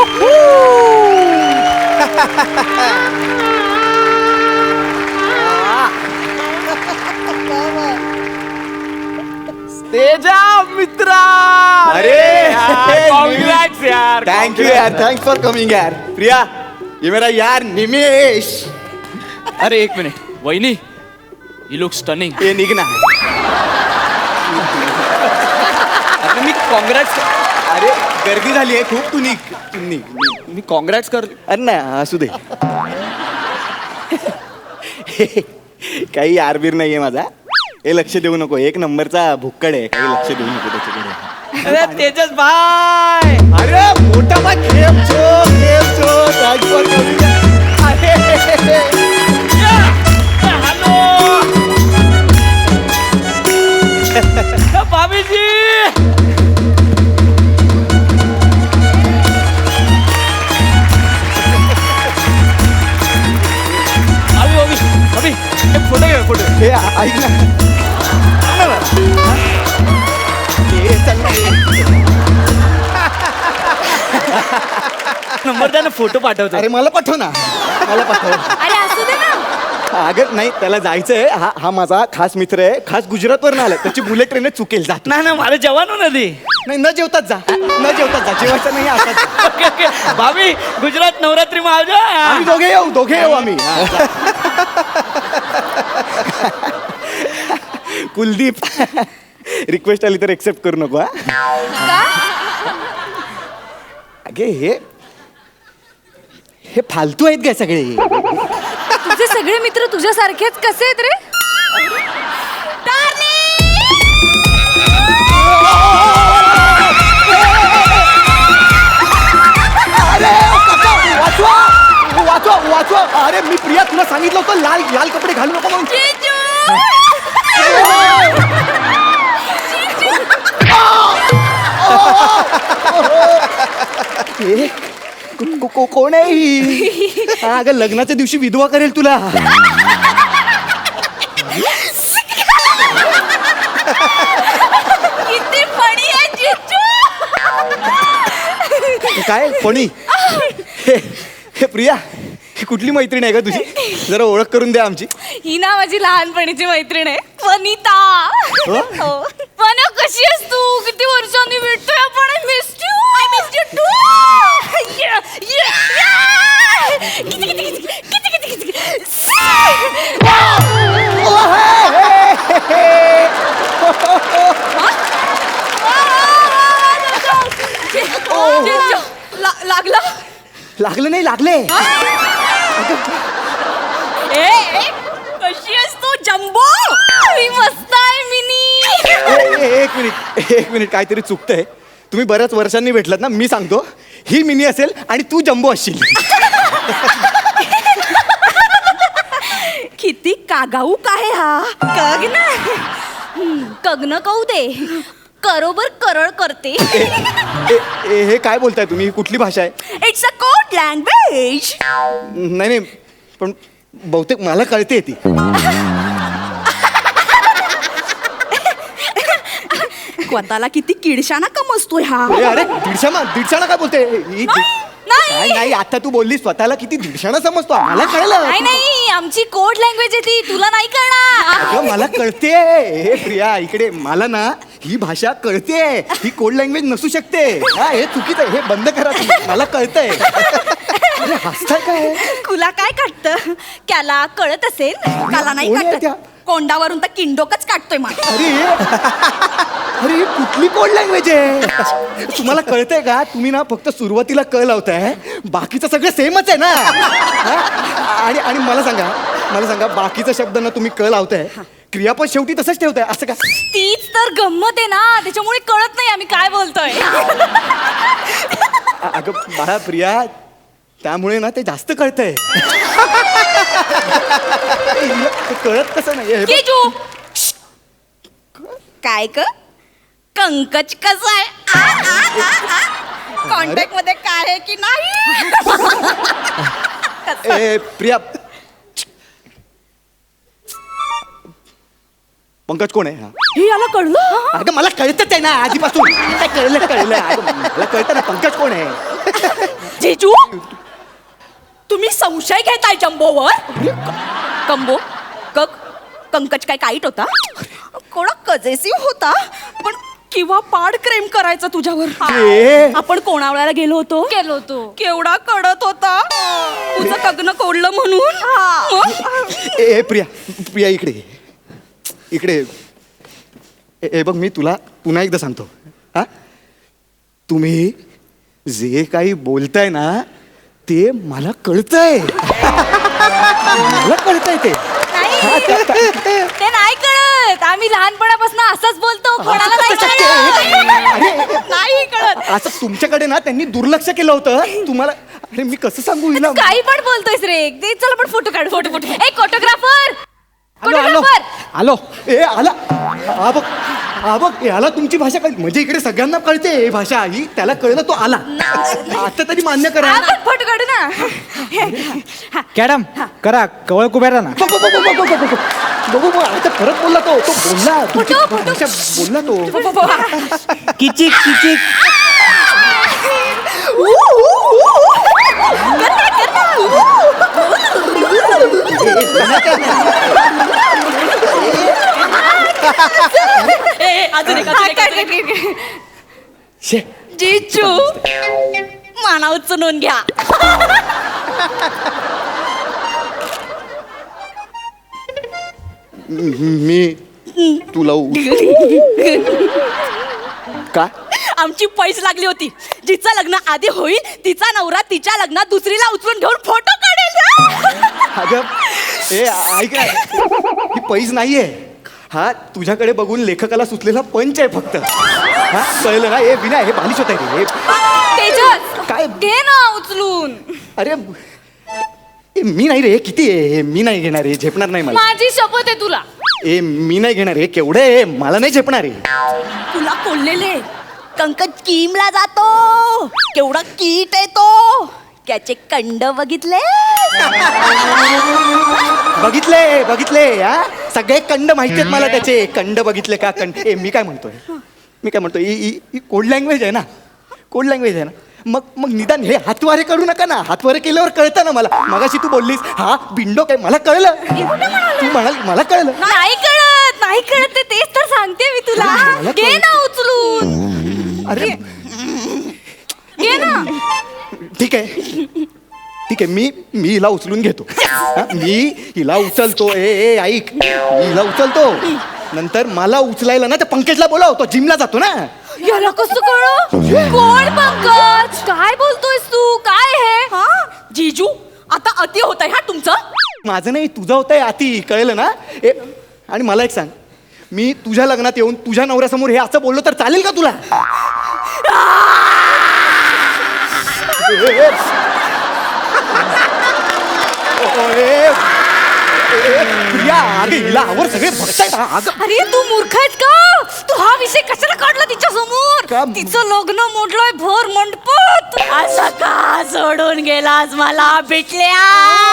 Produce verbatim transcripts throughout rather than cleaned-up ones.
तेजा मित्रा, अरे कांग्रेट्स यार. थैंक यू यार, थैंक्स फॉर कमिंग यार. प्रिया, ये मेरा यार निमेश. अरे एक मिनिट वहिनी, यू लुक स्टनिंग. ये निघ ना. अरे मी काँग्रेट्स. अरे गर्दी झाली आहे खूप. तू निघ, तू निघ. मी काँग्रेट्स कर. अरे ना असू दे. काही यारबीर नाहीये माझा. हे लक्ष देऊ नको. एक नंबरचा भुक्कड आहे. काही लक्ष देऊ नको त्याच्याकडे. अरे तेजस भाई. अरे मोठा बा खेम छो खेम छो राजकोट करूया. अरे हॅलो भाभीजी. अभी अभी अभी एक फोटो घे फोटो. हे ऐक ना. हे चल ना. नंबर द्या ना, फोटो पाठवतो. अरे मला पाठव ना. मला पाठव. अरे असू दे ना. अगं नाही, त्याला जायचंय. हा हा माझा खास मित्र आहे. खास गुजरातवरून आलाय. त्याची बुलेट ट्रेन चुकेल. जात नाही ना, मला जेवण नदी. नाही, न जेवताच जा. न जेवताच जा. जेवायचं नाही आता. ओके ओके भाभी, गुजरात नवरात्री में आ जाओ. आम्ही दोघे येऊ. दोघे येऊ आम्ही. कुलदीप, रिक्वेस्ट आली तर एक्सेप्ट करू नको. हा अगे हे हे फालतू आहेत काय सगळे. तुझे सगळे मित्र तुझ्यासारखेच कसे आहेत रे. अरे काका, वाचवा वाचवा वाचवा. अरे मी प्रिया तुला सांगितलं होतं लाल लाल कपडे घालू नको म्हणून. हे, को- को- को- कोण आहे ही? हा, अगं लग्नाच्या दिवशी विधवा करेल तुला. किती फणी आहे जिजू. काय कोणी? हे हे प्रिया, ही कुठली मैत्रीण आहे का तुझी? जरा ओळख करून द्या आमची. ही ना माझी लहानपणीची मैत्रीण आहे वनिता. हो? हो. वना कशी आहेस तू? किती वर्षांनी भेटतोय आपण. I miss you. I miss you too. किती किती किती किती किती किती जिजू, ला- लागला. लागलं नाही, लागले. ए ए, कशी आहेस तू जम्बो? मी मस्त आहे मिनी. ए- ए- एक मिनिट एक मिनिट काहीतरी चुकतंय. तुम्ही बऱ्याच वर्षांनी भेटलात ना. मी सांगतो, ही मिनी असेल आणि तू जम्बो असशील. किती कागाऊ काय हा. कग ना. हम्म, कग्न कऊ दे. करोबर करळ करते. ए- ए- हे काय बोलताय तुम्ही? ही कुठली भाषा आहे? It's a code language. नाही नाही, पण बहुतेक मला कळते ती. स्वतःला किती किडशाना कमजतोय हा. ए, अरे दीडशाना दीडशाना काय बोलते ही? नाही. काय नाही, आता तू बोलली स्वतःला किती दीडशाना समजतो. मला कळलं. नाही नाही, आमची कोड लँग्वेज आहे ती. तुला नाही कळणार. अगं मला कळते. हे प्रिया इकडे, मला ना ही भाषा कळते. ही कोड लँग्वेज नसू शकते. हा, हे चुकीचं आहे. हे बंद करा तुम्ही. मला कळतंय. अरे हसताय काय? तुला काय काटतं? त्याला कळत असेल. त्याला नाही कोण आहे त्या? काटत. कोंडावरून तर किंडोकच काढतोय मला. अरे अरे ही कुठली कोड लँग्वेज आहे? तुम्हाला कळतंय का? तुम्ही ना फक्त सुरुवातीला क लावताय. बाकीचं सगळं सेमच आहे ना. हा? आणि आणि मला सांगा मला सांगा बाकीचा शब्द ना तुम्ही क लावताय, क्रियापद शेवटी तसंच ठेवताय असं का? तीच तर गंमत आहे ना. त्याच्यामुळे कळत नाही आम्ही काय बोलतोय. अ- अगं बाळा प्रिया, त्यामुळे ना ते जास्त कळतंय. ते कळत कसं नाही हे बघ. जिजू. काय क कंकच कसं आहे? कॉन्टॅक्ट मध्ये काय आहे की नाही? ए प्रिया, पंकज कोण आहे? हा. हे याला कळलं. अगं मला कळतच आहे ना आधीपासून. काय कळलं कळलं. अगं, मला कळतं ना पंकज कोण आहे. जिजू तुम्ही संशय घेताय जंबोवर? कंबो कक कंकज काय काईट होता? कोणा कजेसिव्ह होता पण किंवा पाड क्रेम करायचा तुझ्यावर. ए. आपण कोणावळ्याला गेलो होतो गेलो होतो केवढा कडत होता तुझं कग्न कोडलं म्हणून. मग? ए ए, प्रिया प्रिया इकडे ये. इकडे ये. ए ए, बघ मी तुला पुन्हा एकदा सांगतो हा तुम्ही जे काही बोलताय ना ते मला कळतंय. मला कळतंय ते. नाही ते नाही कळत. आम्ही लहानपणापासून असंच बोलतो कोणाला नाही कळत. नाही कळत. असं तुमच्याकडे ना त्यांनी दुर्लक्ष केलं होतं तुम्हाला. अरे मी कसं सांगू हिला. तू काही पण बोलतोयस रे. दे चल आपण फोटो काढू. फोटो फोटो ए फोटोग्राफर आलो आलो फोटोग्राफर आलो. ए आला हा बघ हा बघ याला तुमची भाषा कळली म्हणजे इकडे सगळ्यांना कळते ही भाषा ही त्याला कळलं तो आला. आता तरी मान्य करा. आपण फोटो काढू ना. कॅडम करा कवळ कुबेरा ना. बघू बघू बघू बघू बघू बघू बघू आता परत बोलला तो तो बोलला तुमची फोटो, फोटो. भाषा बोलला तो. किचिक किचिक शे जिजू माना उचलून घ्या. मी तुला उ- का आमची पैस लागली होती. जिचं लग्न आधी होईल तिचा नवरा तिच्या लग्नात दुसरीला उचलून घेऊन फोटो काढेल. अगं ए ऐक ना ही पैज नाहीये हा तुझ्याकडे बघून लेखकाला सुचलेला पंच आहे फक्त. हा कळलं ना हे विना हे बालिश होत आहे रे. तेजस काय? घे ना उचलून. अरे ए, मी नाही रे किती आहे मी नाही घेणार आहे झेपणार नाही मला. माझी शपथ आहे तुला. ए मी नाही घेणार आहे केवढं आहे मला नाही झेपणार आहे. तुला कोल्लेले कंकज किमला जातो केवढा कीट आहे तो. त्याचे कंड बघितले बघितले बघितले हा सगळे कंड माहिती आहेत मला त्याचे. कंड बघितले का कंड ए मी काय म्हणतोय मी काय म्हणतोय ही- ही ही कोड लँग्वेज आहे ना कोड लँग्वेज आहे ना मग मग निदान हे हातवारे करू नका ना. हातवारे केल्यावर कळतं ना मला. मगाशी तू बोललीस हा बिंडो काय मला कळलं तू म्हणाल मला कळलं. नाही कळत नाही कळत ते तेच तर सांगते मी तुला. मला घे कळत. ना उचलून. अरे घे ना. ठीक आहे ठीक आहे मी मी हिला उचलून घेतो. हा, मी हिला उचलतो ए ए ऐक मी हिला उचलतो नंतर मला उचलायला ना त्या पंकजला बोलावतो जिमला जातो ना. याला कसं कळ कोण पंकज काय बोलतोयस तू काय हे हा जिजू आता अति होत आहे हा तुमचं. माझं नाही तुझं होतंय आती कळलं ना. ए आणि मला एक सांग मी तुझ्या लग्नात येऊन तुझ्या नवऱ्यासमोर हे असं बोललो तर चालेल का तुला. ए, ए. ओ, ए, ए, प्रिया अगं हिला आवर सगळे बघतायत हा, अगं अरे तू मूर्ख आहेस का. तू हा विषय कशाला काढला तिच्या समोर. का? तिचं लग्न मोडलंय भर मंडपात. असं का सोडून गेलास मला भेटल्या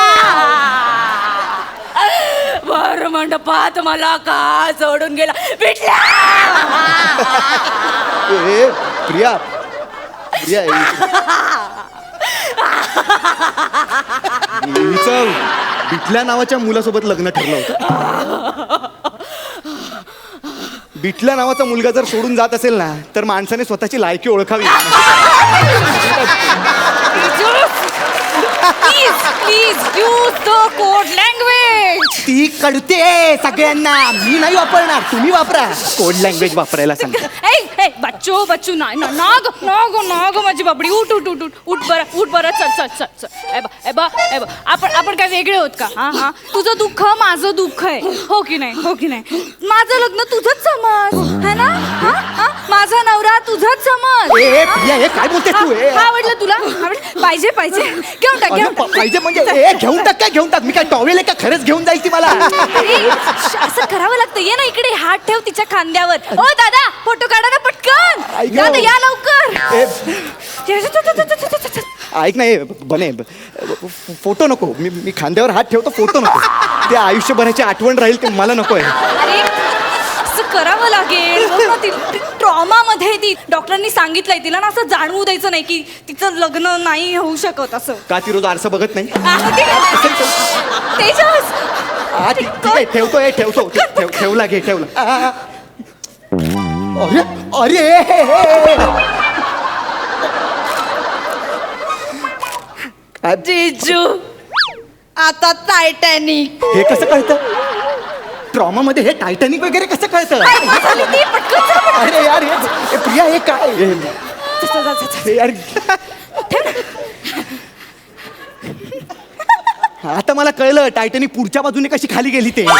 भर मंडपात मला का सोडून गेला भेटल्या. ए प्रिया प्रिया हिचं बिटल्या नावाच्या मुलासोबत लग्न ठरलं होतं. बिटल्या नावाचा मुलगा जर सोडून जात असेल ना तर माणसाने स्वतःची लायकी ओळखावी. Please please use the code language. ती कळते सगळ्यांना मी नाही वापरणार तुम्ही वापरा. कोड लँग्वेज वापरायला सांग. ए ए बच्चू बच्चू नाही ना नाग नाग नाग माझी बाबडी उठ उठ उठ उठ उठ बरं उठ बरं चल चल चल चल ए बा ए बा ए बा आपण आपण काय वेगळे होत का. हा हा तुझं दुःख माझं दुःख आहे हो की नाही हो की नाही. माझं लग्न तुझंच समज है ना. हा हा माझा नवरा तुझंच समज. ए ए, प्रिया हे काय बोलते तू ए हा, आवडलं तुला आवडलं पाहिजे पाहिजे घेऊन टाक अगं, घेऊन प- टाक. पाहिजे म्हणजे ए घेऊन टाक काय घेऊन टाक मी काय टॉवेल आहे का खरंच घेऊन जाईल ती मला. अरे, असं करावं लागतं. ये ना इकडे हात ठेव तिच्या खांद्यावर. ओ दादा फोटो काढा ना पटकन. ऐक दादा ना. या लवकर. ए, ये, चल, चल, चल, चल, चल, चल. ऐक ना ए, बने ब- फ- फोटो नको मी मी खांद्यावर हात ठेवतो फोटो नको. ते आयुष्यभराची आठवण राहील ते मला नको आहे. अरे असं करावं लागेल बघ ना, ती ट्रॉमा मध्ये ती डॉक्टरांनी सांगितलंय तिला ना असं जाणवू द्यायचं नाही की तिचं लग्न नाही होऊ शकत असं. का ती रोज आरसा बघत नाही? आ, ते- तेजस हा, ठीक ठीक आहे ठेवतो हे ठेवतो ठेव- ठेव- ठेवला घे ठेवला आ, आ. अरे अरे हे, हे, हे. काय- जिजू आता टायटॅनिक. हे कसं कळतं? ट्रॉमा मध्ये हे टायटॅनिक वगैरे कसं कळतं? अरे यार हे हे प्रिया हे काय हे- हे यार आता मला कळलं टायटॅनिक पुढच्या बाजूने कशी खाली गेली ते.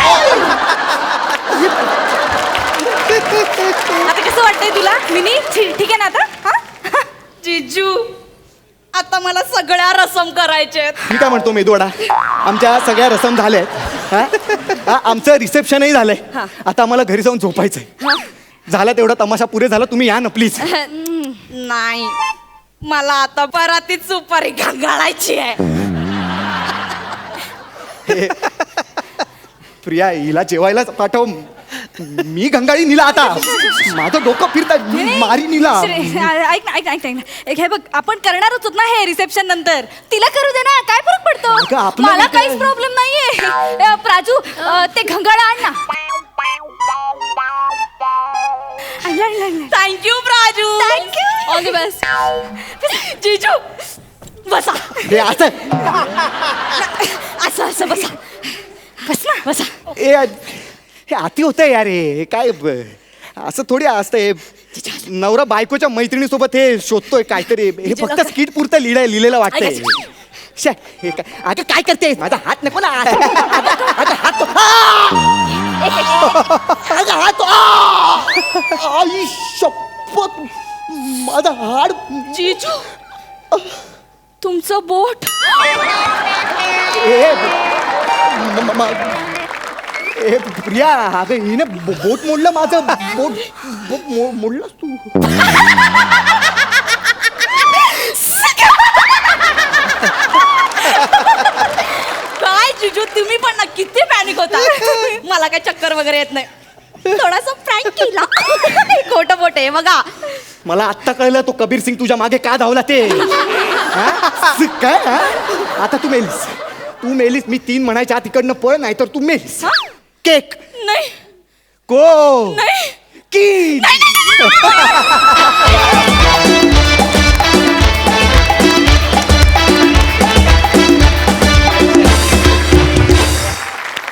आता कसं वाटतंय तुला मिनी? ठीक ठीक आहे ना आता? हा? जिजू आता मला सगळ्या रसम करायच्या आहेत. मी काय म्हणतो मेदूवडा, आमच्या सगळ्या रसम झाल्या आहेत. हा? हा, आमचं रिसेप्शनही झालंय. हा. आता आम्हाला घरी जाऊन झोपायचंय. झाला तेवढा तमाशा पुरे झाला, तुम्ही या ना प्लीज. नाही मला आता परातीत सुपारी घालायची आहे. प्रिया हिला जेवायला पाठव. मी गंगाळी निला आता. माझं डोकं फिरतात. मी मारी निला. श्रे- ऐक ना ऐक ना ऐक ना, ऐक ना एक हे बघ आपण करणारच होत ना हे रिसेप्शन नंतर. तिला करू दे ना, काय फरक अगं, पडतो? आपलं मला नाही काहीच काय. प्रॉब्लेम नाहीये. अ, प्राजू अ, ते घंगाळा आण ना. Thank you Praju. Thank you all the best. जिजू बसा. हे असं असं असं बसा. बस ना बसा. ए हे अति होतंय यार. हे काय ब- असं थोडी असतंय. नवरा बायकोच्या मैत्रिणीसोबत हे शोधतोय काहीतरी. हे फक्त स्किट पुरतं लिहिलंय लिहिलेलं वाटतंय. शे, हे काय अगं काय करते? माझा हात नको ना. अगं, अगं, हात आ! अगं, हात आ! आई शपथ माझा हाड. जिजू तुमचं बोट. ए, म- म- म- ए प्रिया अगं हिने बो- बोट मोडलं माझं. बोट बोट मो- मोडलंस तू. काय जिजू तुम्ही पण ना किती पॅनिक होता. मला काय चक्कर वगैरे येत नाही. थोडासा प्रँक केला. खोटं बोट आहे बघा. मला आत्ता कळलं तो कबीर सिंग तुझ्या मागे का धावला ते. हा? काय हा? आता तू मेलीस. तू मेलीस. मी तीन म्हणायच्या आत इकडनं पळ, नाही तर तू मेलीस. हा? केक नाही को नाही की नाही, नाही, नाही.